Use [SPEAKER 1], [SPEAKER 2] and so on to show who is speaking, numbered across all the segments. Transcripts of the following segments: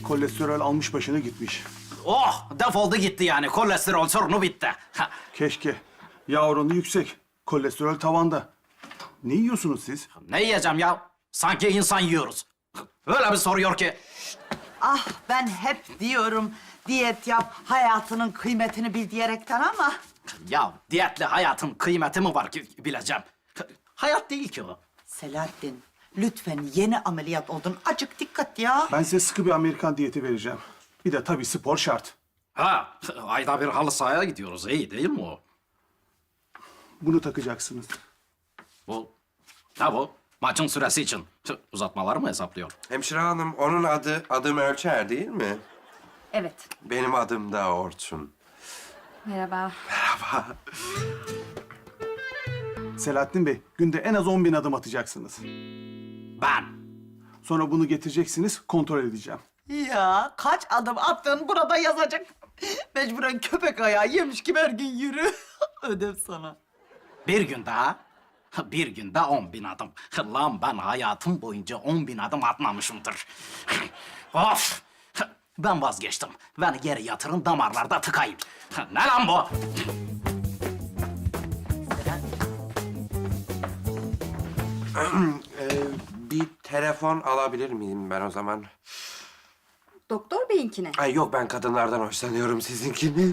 [SPEAKER 1] Kolesterol almış başını gitmiş.
[SPEAKER 2] Oh, defoldu gitti yani. Kolesterol sorunu bitti. Ha,
[SPEAKER 1] Keşke. Yağ oranı yüksek. Kolesterol tavanda. Ne yiyorsunuz siz?
[SPEAKER 2] ne yiyeceğim ya? Sanki insan yiyoruz. Öyle bir soruyor ki.
[SPEAKER 3] Ah ben hep diyorum diyet yap, hayatının kıymetini bil diyerekten ama...
[SPEAKER 2] Ya diyetli hayatın kıymeti mi var ki bileceğim? Hayat değil ki o.
[SPEAKER 3] Selahattin, lütfen yeni ameliyat oldun. Acık dikkat ya.
[SPEAKER 1] Ben size sıkı bir Amerikan diyeti vereceğim. Bir de tabii spor şart.
[SPEAKER 2] Ha, ayda bir halı sahaya gidiyoruz. İyi değil mi o?
[SPEAKER 1] Bunu takacaksınız.
[SPEAKER 2] Bu, ne bu? Maçın süresi için. Uzatmaları mı hesaplıyor?
[SPEAKER 4] Hemşire hanım, onun adım Ölçer değil mi?
[SPEAKER 5] Evet.
[SPEAKER 4] Benim adım da Orçun.
[SPEAKER 5] Merhaba.
[SPEAKER 1] Selahattin Bey, günde en az 10.000 adım atacaksınız.
[SPEAKER 2] Ben.
[SPEAKER 1] Sonra bunu getireceksiniz, kontrol edeceğim.
[SPEAKER 3] Ya kaç adım attın burada yazacak. Mecburen köpek ayağı yemiş gibi her gün yürü. Ödev sana.
[SPEAKER 2] Bir gün daha. Bir günde 10.000 adım. Lan ben hayatım boyunca 10.000 adım atmamışımdır. Of! Ben vazgeçtim. Beni geri yatırın, damarlarda tıkayım. Ne lan bu?
[SPEAKER 4] Bir telefon alabilir miyim ben o zaman?
[SPEAKER 5] Doktor beyinkine.
[SPEAKER 4] Ay yok, ben kadınlardan hoşlanıyorum, sizinkini.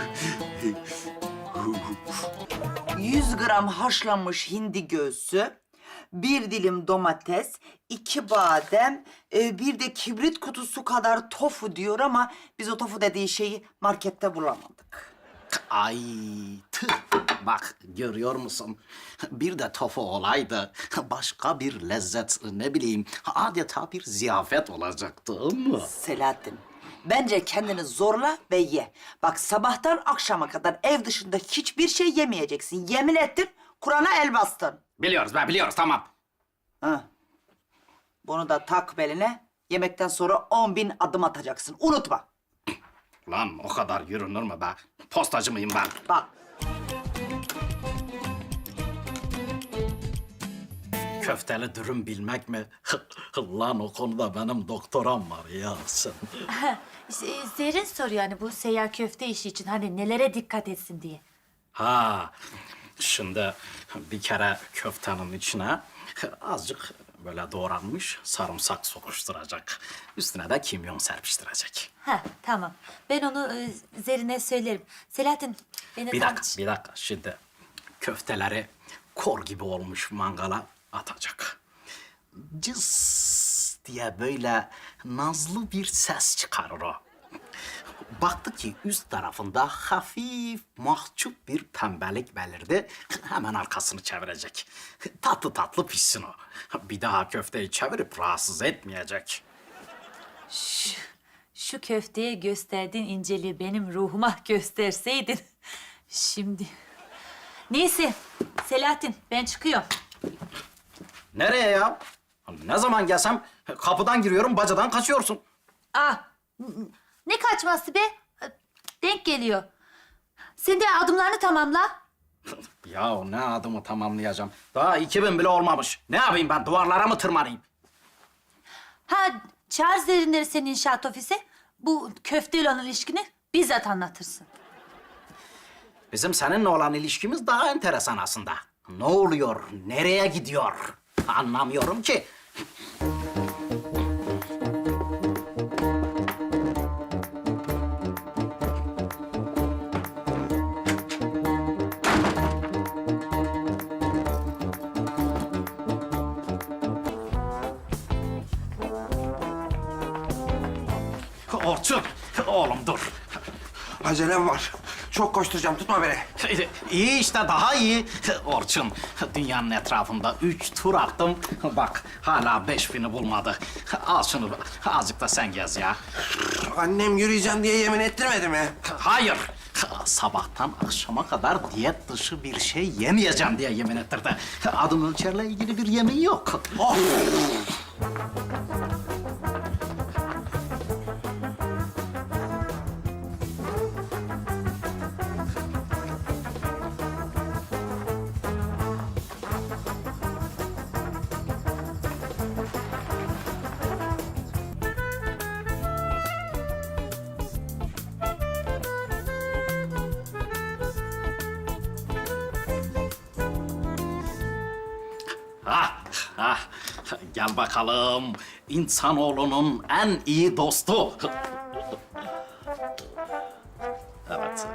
[SPEAKER 3] 100 gram haşlanmış hindi göğsü, bir dilim domates, 2 badem, bir de kibrit kutusu kadar tofu diyor ama biz o tofu dediği şeyi markette bulamadık.
[SPEAKER 2] Ay tüh. Bak görüyor musun? Bir de tofu olaydı. Başka bir lezzet, ne bileyim, adeta bir ziyafet olacaktı ama.
[SPEAKER 3] Selahattin, bence kendini zorla ve ye. Bak sabahtan akşama kadar ev dışında hiçbir şey yemeyeceksin. Yemin ettin, Kur'an'a el bastın.
[SPEAKER 2] Biliyoruz be, biliyoruz, tamam.
[SPEAKER 3] Ha. Bunu da tak beline. Yemekten sonra 10.000 adım atacaksın. Unutma.
[SPEAKER 2] Lan o kadar yürünür mü be? Postacı mıyım ben?
[SPEAKER 3] Bak.
[SPEAKER 2] Köfteli dürüm bilmek mi? Lan o konuda benim doktoram var ya sen.
[SPEAKER 5] Zerrin soruyor hani bu seyyar köfte işi için hani nelere dikkat etsin diye.
[SPEAKER 2] Ha, şimdi bir kere köftenin içine azıcık böyle doğranmış sarımsak sokuşturacak. Üstüne de kimyon serpiştirecek.
[SPEAKER 5] Ha tamam. Ben onu Zerrin'e söylerim. Selahattin beni
[SPEAKER 2] Bir dakika. Şimdi köfteleri kor gibi olmuş mangala atacak. Cız diye böyle nazlı bir ses çıkarır o. Baktı ki üst tarafında hafif mahcup bir pembelik belirdi. Hemen arkasını çevirecek. Tatlı tatlı pişsin o. Bir daha köfteyi çevirip rahatsız etmeyecek.
[SPEAKER 5] Şu köfteye gösterdiğin inceliği benim ruhuma gösterseydin. Şimdi. Neyse Selahattin ben çıkıyorum.
[SPEAKER 2] Nereye ya? Ne zaman gelsem kapıdan giriyorum, bacadan kaçıyorsun.
[SPEAKER 5] Ne kaçması be? Denk geliyor. Sen de adımlarını tamamla.
[SPEAKER 2] Ya ne adımı tamamlayacağım? Daha 2000 bile olmamış. Ne yapayım ben? Duvarlara mı tırmanayım?
[SPEAKER 5] Ha çağır Zerrinleri senin inşaat ofisi. Bu köfteyle olan ilişkini bizzat anlatırsın.
[SPEAKER 2] Bizim seninle olan ilişkimiz daha enteresan aslında. Ne oluyor? Nereye gidiyor? Anlamıyorum ki. Orçun, oğlum dur.
[SPEAKER 4] Acelem var. Çok koşturacağım, tutma beni.
[SPEAKER 2] İyi işte, daha iyi. Orçun, dünyanın etrafında 3 tur attım. Bak, hala 5000'i bulmadı. Al şunu, azıcık da sen gez ya.
[SPEAKER 4] Annem yürüyeceğim diye yemin ettirmedi mi?
[SPEAKER 2] Hayır, sabahtan akşama kadar diyet dışı bir şey yemeyeceğim diye yemin ettirdi. Adım ölçerle ilgili bir yemin yok.
[SPEAKER 4] Oh!
[SPEAKER 2] Ah, gel bakalım. İnsanoğlunun en iyi dostu. Evet.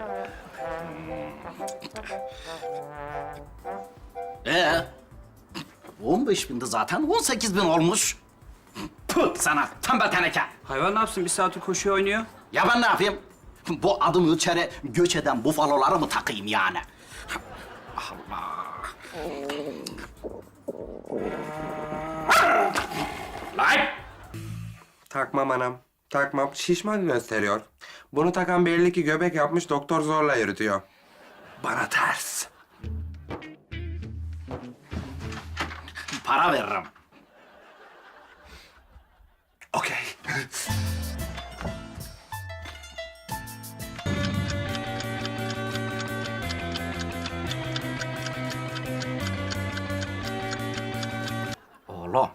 [SPEAKER 2] 15 bindi zaten, 18 bin olmuş. Püh sana, tembel teneke.
[SPEAKER 6] Hayvan ne yapsın? Bir saattir koşuyor oynuyor.
[SPEAKER 2] Ya ben ne yapayım? Bu adım ölçeri göç eden bufaloları mı takayım yani? Allah. Lan!
[SPEAKER 4] Takmam anam. Takmam. Şişman gösteriyor. Bunu takan belli ki göbek yapmış, doktor zorla yürütüyor. Bana ters.
[SPEAKER 2] Para veririm.
[SPEAKER 4] Okey.
[SPEAKER 2] Oğlum.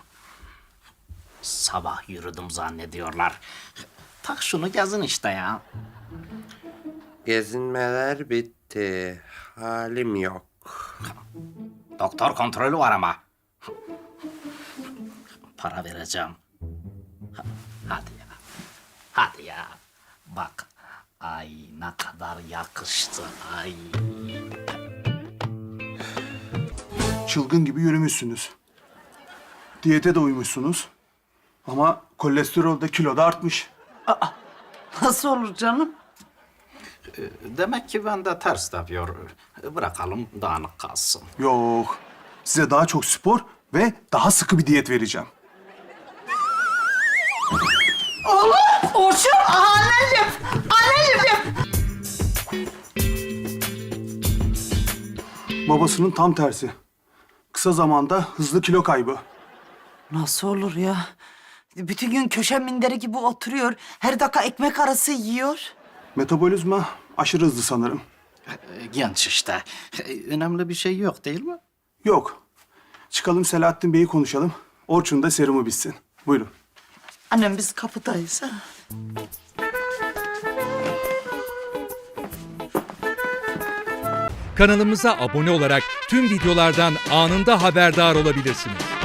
[SPEAKER 2] Sabah yürüdüm zannediyorlar. Tak şunu gezin işte ya.
[SPEAKER 4] Gezinmeler bitti. Halim yok.
[SPEAKER 2] Doktor kontrolü var ama. Para vereceğim. Hadi ya. Hadi ya. Bak. Ay ne kadar yakıştı. Ay.
[SPEAKER 1] Çılgın gibi yürümüşsünüz. Diyete de uymuşsunuz. Ama kolesterol de kilo da artmış.
[SPEAKER 3] Nasıl olur canım?
[SPEAKER 2] Demek ki ben de ters yapıyor. Bırakalım dağınık kalsın.
[SPEAKER 1] Yok. Size daha çok spor ve daha sıkı bir diyet vereceğim.
[SPEAKER 3] Orçun, anneciğim, anneciğim.
[SPEAKER 1] Babasının tam tersi. Kısa zamanda hızlı kilo kaybı.
[SPEAKER 3] Nasıl olur ya? Bütün gün köşe minderi gibi oturuyor. Her dakika ekmek arası yiyor.
[SPEAKER 1] Metabolizma aşırı hızlı sanırım.
[SPEAKER 2] Genç işte. Önemli bir şey yok değil mi?
[SPEAKER 1] Yok. Çıkalım Selahattin Bey'i konuşalım. Orçun da serumu bitsin. Buyurun.
[SPEAKER 3] Annem biz kapıdayız ha.
[SPEAKER 7] Kanalımıza abone olarak tüm videolardan anında haberdar olabilirsiniz.